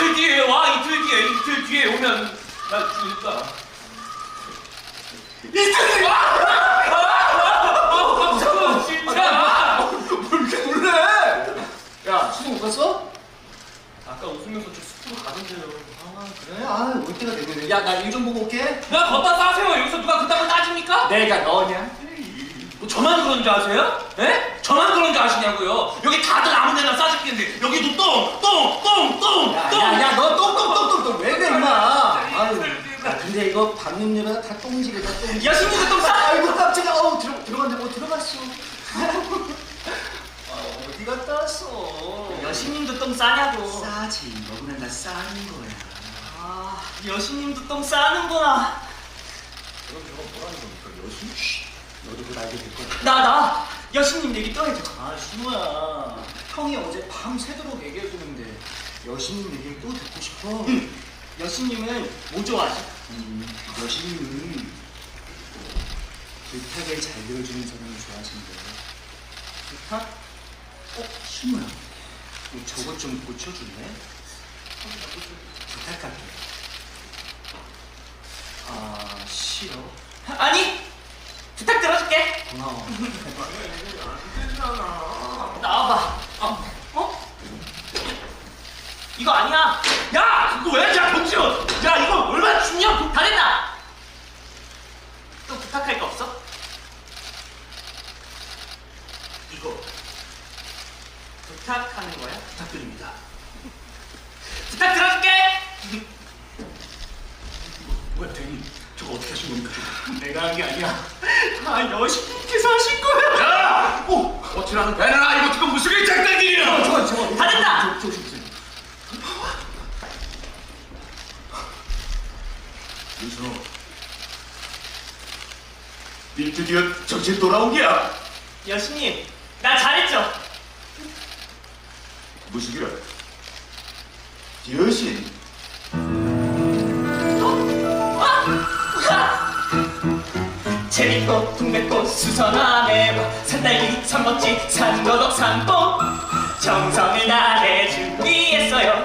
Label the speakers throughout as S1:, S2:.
S1: 이틀 뒤에 와. 이틀 뒤에 오면 나 죽을까.
S2: 이틀 뒤에
S1: 잠깐만 진짜.
S2: 뭘 이렇게 놀래? 야, 수능 못 갔어?
S1: 아까 웃으면서 저 숲으로 가던데요.
S2: 아, 그래? 아, 올 때가 됐네. 야, 나 일 좀 보고 올게.
S1: 나 걷다 싸세요. 여기서 누가 그딴 걸 따집니까?
S2: 내가 너냐?
S1: 뭐 저만 그런 줄 아세요? 예? 저만 그런 줄 아시냐고요? 여기 다들 아무 데나 싸집겠는데 여기도 똥!
S2: 야, 너 똥똥똥똥똥 왜 그래, 임마? 아유, 야, 근데 이거 받는 여자가 다 똥집이다, 똥집.
S1: 여신님도 똥 싸!
S2: 아이고, 깜짝이야. 들어갔는데 뭐 들어갔어. 어디 갔다 왔어?
S1: 여신님도 똥 싸냐고.
S2: 싸지. 너구나 나 싸는 거야.
S1: 아, 여신님도 똥 싸는구나.
S2: 그럼 저거 뭐라는 겁니까? 여신? 쉿. 너도 그거 알게 될 거야.
S1: 나 여신님 얘기 또 해줘.
S2: 아, 신우야. 형이 어제 밤새도록 얘기해주는데 여신님 얘기를 또 듣고 싶어?
S1: 여신님은 뭐 좋아하지?
S2: 여신님은 부탁을 잘 들어주는 사람을 좋아하신대.
S1: 부탁?
S2: 신우야. 너 저것 좀 고쳐줄래? 부탁할게. 아, 싫어?
S1: 아니! 부탁 들어줄게.
S2: 고마워.
S1: 나와봐. 어? 이거 아니야. 야! 그거 왜? 야, 동시오! 야, 이거 얼마나 중요한 다 됐다! 또 부탁할 거 없어? 이거 부탁하는 거야?
S2: 부탁드립니다.
S1: 부탁 들어줄게!
S2: 뭐야, 대리. 저거 어떻게 하신 겁니까?
S1: 내가 한 게 아니야. 다 여신님께서 하신 거야.
S2: 야! 오! 어찌라는 배나라. 이거 지금 무슨 일장난이야! 저거.
S1: 다 됐다!
S2: 조심. 윤선호, 니 드디어 정신 돌아온 게야?
S1: 여신님, 나 잘했죠?
S2: 무슨 기라? 여신?
S1: 재밌고 동백꽃 수선함에 산딸기 산멋지 산거덕 산봉 정성을 다해 준비했어요.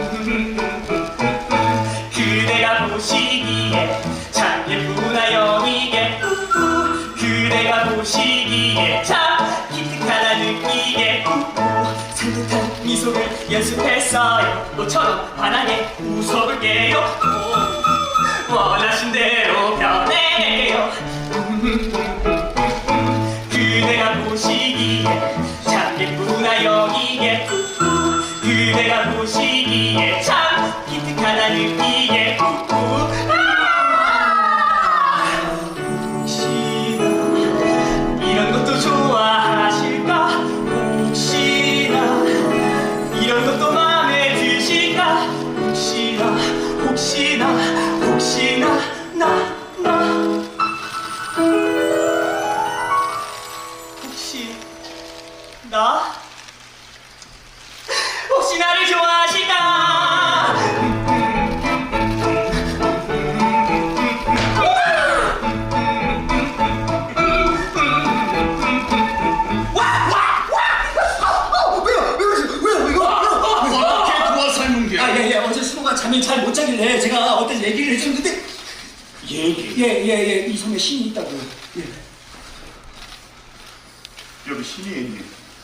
S1: 그대가 보시기에 참 예쁘나 영이게 그대가 보시기에 참 기특하다 느끼게 산뜻한 미소를 연습했어요. 너처럼 환하게 웃어볼게요. 원하신 대로 변해요. 그대가 보시기에 참 예쁘나 여기에 그대가 보시기에 참 기특하다 느끼게 혹시나 이런 것도 좋아하실까 혹시나 이런 것도 마음에 드실까 혹시나 나 혹시 나를 좋아하실까?
S2: 어떻게 도와 삶은 게?
S3: 예. 어제 수호가 잠을 잘 못 자길래 제가 어떤 얘기를 해줬는데
S2: 얘기.
S3: 예. 이 섬에 신이 있다고요. 예.
S2: 여기 신이 있니?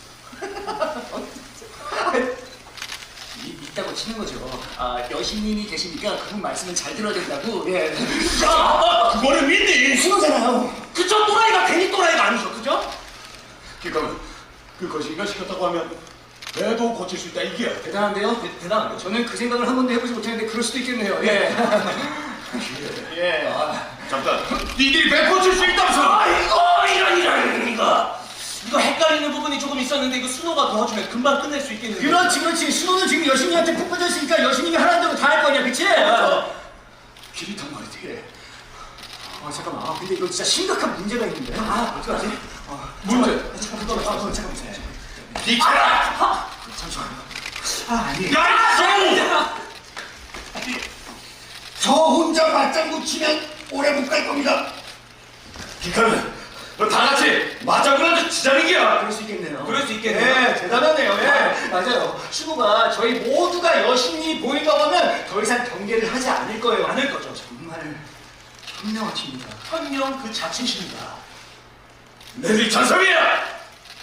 S3: 있다고 치는 거죠. 아, 여신님이 계시니까 그분 말씀을 잘 들어야 된다고. 예.
S2: 그거를 믿니?
S3: 신호잖아요.
S1: 그저 또라이가 괜히 또라이가 아니죠, 그죠?
S2: 그러니까 그 거시기가 시켰다고 하면 배도 고칠 수 있다 이게.
S3: 대단한데요? 대단한데요? 저는 그 생각을 한 번도 해보지 못했는데 그럴 수도 있겠네요. 예. 예.
S2: 잠깐. 니들이 배 고칠 수 있다면서?
S1: 이거 헷갈리는 부분이 조금 있었는데 이거 순호가 도와주면 금방 끝낼 수 있겠는데.
S3: 그렇지. 신호는 지금 여신님한테 푹 빠졌으니까 여신님이 하라는 대로 다 할 거냐, 그치?
S2: 길이 단 말이지.
S3: 잠깐만. 근데 이거 진짜 심각한 문제가 있는데. 어떡하지?
S2: 문제.
S3: 잠깐만.
S2: 비켜라!
S3: 잠시만요.
S2: 아니. 야! 저 혼자 맞장구 치면 오래 못 갈 겁니다. 기카는 너 다 같이 맞장구라도 치자는 게야.
S3: 그럴 수 있겠네요.
S1: 그럴 수 있겠네요.
S2: 대단하네요.
S3: 맞아요. 수고가 저희 모두가 여신이 보인다고 하면 더 이상 경계를 하지 않을 거예요.
S1: 않을 거죠.
S3: 정말 현명하십니다.
S1: 현명 그 자체십니다.
S4: 내리 전섭이야!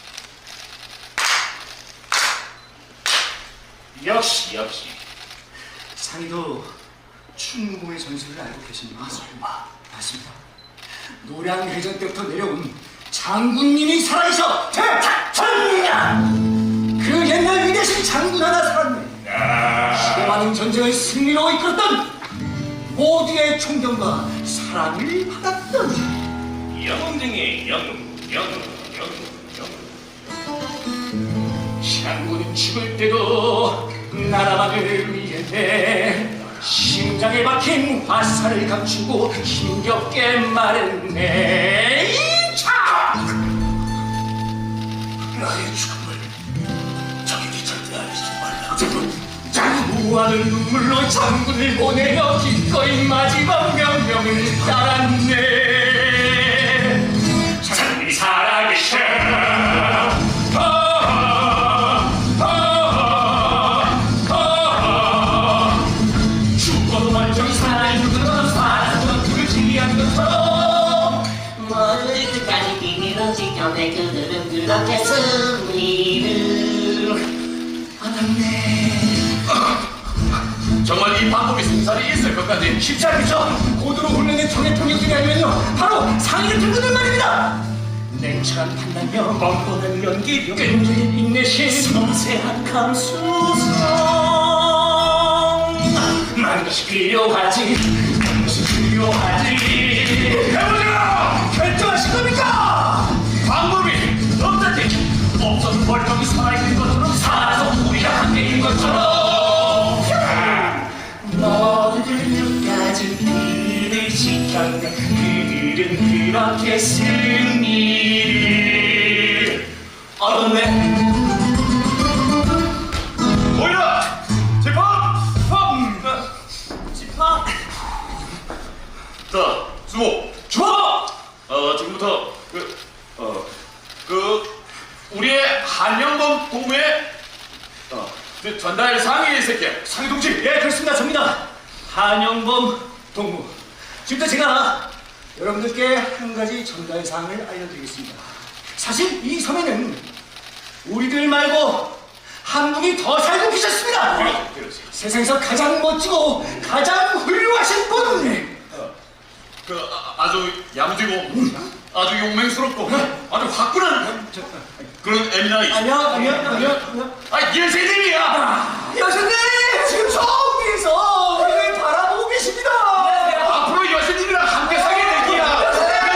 S4: 역시
S3: 상의도 충무공의 전술을 알고 계십니까? 설마. 맞습니다. 노량해전 때부터 내려온 장군님이 살아있어 대탁천량! 그 옛날 위대신 장군 하나 살았네. 수많은 전쟁을 승리로 이끌었던 모두의 존경과 사랑을 받았던
S4: 영웅 중에 영웅.
S3: 장군은 죽을 때도 나라만을 위해 심장에 박힌 화살을 감추고 힘겹게 말했네.
S4: 나의 죽음을 적에게 절대 알리지 말라.
S3: 무한한 눈물로 장군을 보내며 기꺼이 마지막 명령을 따랐네. 장군이 살아계셔. 죽어도 멀쩡히 살아있는 것처럼 살아서 그를 지휘하는 것처럼
S5: 모두를 끝까지 비밀로 지켜내 그들은 그렇게 승리를
S3: 알았네.
S4: 정말 이 방법이 승산이 있을 것까지
S3: 쉽지 않겠죠? 고도로 훈련된 적의 병력 중에 아니면요 바로 상의를 들고는 말입니다. 냉철한 판단력, 뻔뻔한 연기력, 끈질긴 인내심, 섬세한 감수성, 많은 것이 필요하지.
S4: 해보자!
S3: 결정하신 겁니까?
S4: 방법이 없다니.
S3: 없어도 멀쩡히 살아있는 것처럼 살아서 우리랑 함께인 것처럼 모두들 끝까지 그를 지켰네. 그들은 그렇게 승리를 얻었네.
S4: 보이라! 집합!
S1: 집합!
S4: 자, 수모!
S3: 좋아!
S4: 지금부터 우리의 한영범 동무의 전달 상의의 새끼 상의 동지.
S3: 예, 그렇습니다. 접니다. 한영범 동무. 지금부터 제가 여러분들께 한 가지 전달 사항을 알려드리겠습니다. 사실 이 섬에는 우리들 말고 한 분이 더 살고 계셨습니다.
S4: 그렇지.
S3: 세상에서 가장 멋지고 가장 훌륭하신 분.
S4: 아주 야무지고 아주 용맹스럽고 아주 화끈한 그런 에미나이.
S3: 아니요.
S4: 예세님이야.
S3: 여신님 지금 저 위에서 우리를 바라보고 계십니다.
S4: 앞으로 여신님이랑 함께 사게 될 기야.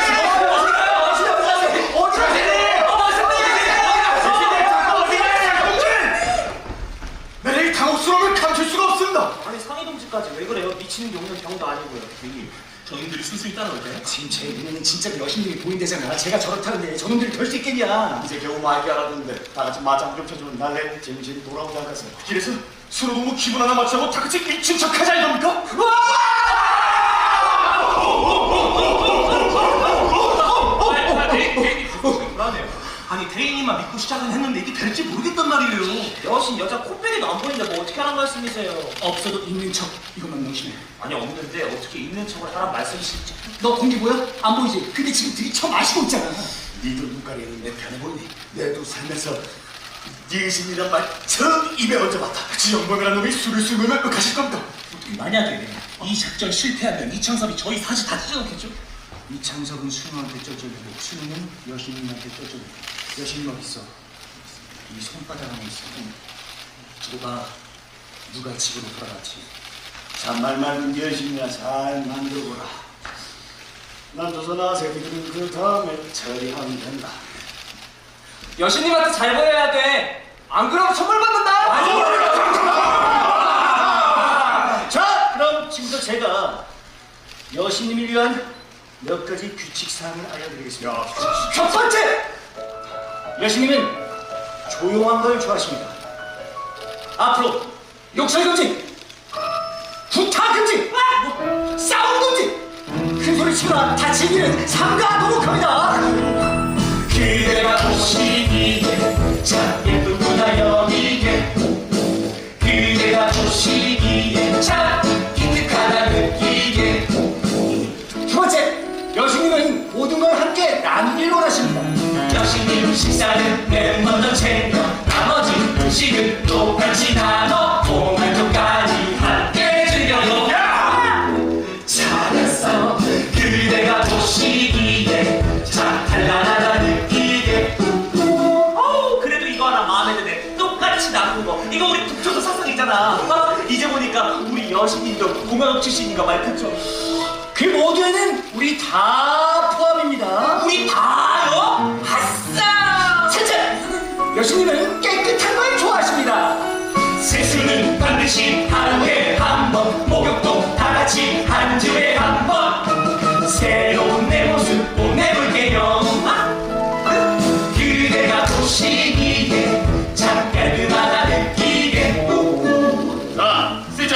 S3: 내일 당혹스러움을 감출 수가 없습니다.
S1: 아니 상위 동지까지 왜 그래요? 미치는 게 없는 병도 아니고요. 형님, 저님들이 순순히 따라올 때
S3: 지금 제 눈에는 진짜 여신님이 보인대잖아. 제가 저렇다는데 저놈들이 될 수 있겠냐?
S2: 이제 겨우 말게 알았는데 다 같이 맞짱 좀 쳐주면 날래 정신이 돌아오지 않겠어요.
S4: 길에서 서로 너무 기분 하나 맞추고 다 같이 미친 척 하자 이겁니까?
S1: 불안해요. 아니 대인님만 믿고 시작은 했는데 이게 될지 모르겠단 말이에요. 여신 여자 코빼기도 안 보이는데 뭐 어떻게 하란 말씀이세요?
S3: 없어도 있는 척 이것만 명심해.
S1: 아니 없는데 어떻게 있는 척을 하란 말씀이실지.
S3: 너 공기 보여? 안 보이지? 근데 지금 들이쳐 마시고 있잖아.
S2: 니들 눈가리는 내 편해 보이니? 내도 살면서 니신이란 말 처음 입에 얹어봤다.
S4: 지영범이라는 놈이 술을 술 가실 겁니다.
S1: 만약에 이 작전 실패하면 이창섭이 저희 사지 다 찢어놓겠죠?
S3: 이창석은 순우한테 쪄줘주고 순우는 여신님한테 쪄줘주고. 여신님 어디 있어? 이 손바닥 안에 있어. 저거가 누가 집으로 돌아갔지?
S2: 잔말만 여신이나 잘 만들어보라. 난 조선아 새끼들은 그 다음에 처리하면 된다.
S1: 여신님한테 잘 보여야 돼. 안 그러면 처벌받는다.
S3: 자, 그럼 지금부터 제가 여신님을 위한 몇 가지 규칙 사항을 알려드리겠습니다. 첫 번째, 여신님은 조용한 걸 좋아하십니다. 앞으로 욕설 금지, 구타 금지, 싸움 금지, 큰 소리 치거나 다친 일은 삼가하도록 합니다. 그대가 오시기에 자 예쁜 누나 여기게
S1: 보시기에 참 기특하다 느끼게.
S3: 두 번째, 여신님은 모든 걸 함께 나누길 원하십니다.
S1: 여신님 식사는 멤버들 챙겨 나머지 음식은 똑같이 나눠 오늘도까지 함께 즐겨요. 잘했어. 그대가 보시기에 참 단란하다 느끼게. 어우, 그래도 이거 하나 마음에 드네. 똑같이 나누는 거. 이거 우리 북조도 사상이잖아. 이제 보니까 우리 여신님도 공화국 출신인가 말 그죠?
S3: 그 모두에는 우리 다 포함입니다.
S1: 우리 다요? 아싸!
S3: 셋째, 여신님은 깨끗한 걸 좋아하십니다.
S1: 세수는 반드시 하루에 한 번, 목욕도 다 같이 한 주에 한 번. 새로운 내 모습 보내볼게요. 그대가 보시기에 참 깔끔하다 느끼게.
S4: 자, 쓰자.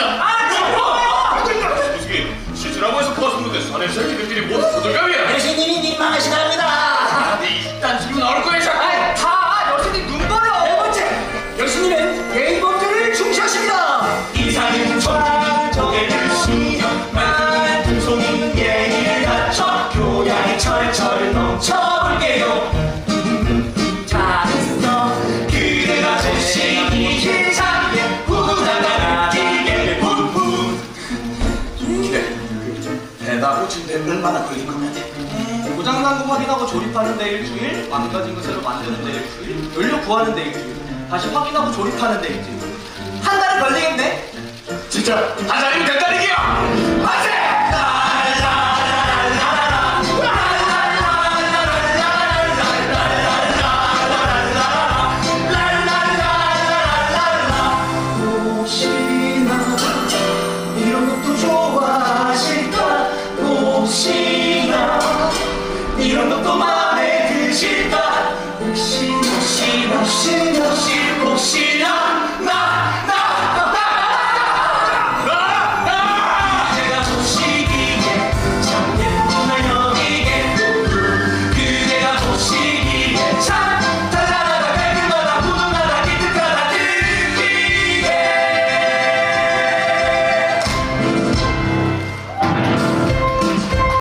S4: 무슨 실수라고 해서 퍼스는데 사내 새끼들끼리 모두 호들갑이야.
S3: 여신님이 민망하시답니다.
S4: 이딴 소리 나올 거야 자꾸.
S3: 다 여신님 눈 벌어. 네 번째, 여신님은 예의범죄를 중시하십니다.
S1: 이사는 저게를 신경 말투는 풍속인 예의를 갖춰 교양이 철철 넘쳐볼게요. 잘했어. 그대가 보시기에 참 예쁘다가 느끼게 푸푸.
S2: 배가 고침되면 얼마나 걸릴 거면 돼?
S6: 고장난 거 확인하고 조립하는 데 일주일, 망가진 거 새로 만드는 데 일주일, 연료 구하는 데 일주일, 다시 확인하고 조립하는 데 일주일. 한 달은 걸리겠네?
S2: 진짜 한 달이면 된다는 얘기야. 맞지?
S3: 혹시나 이런 것도 좋아하실까? 혹시나 이런 것도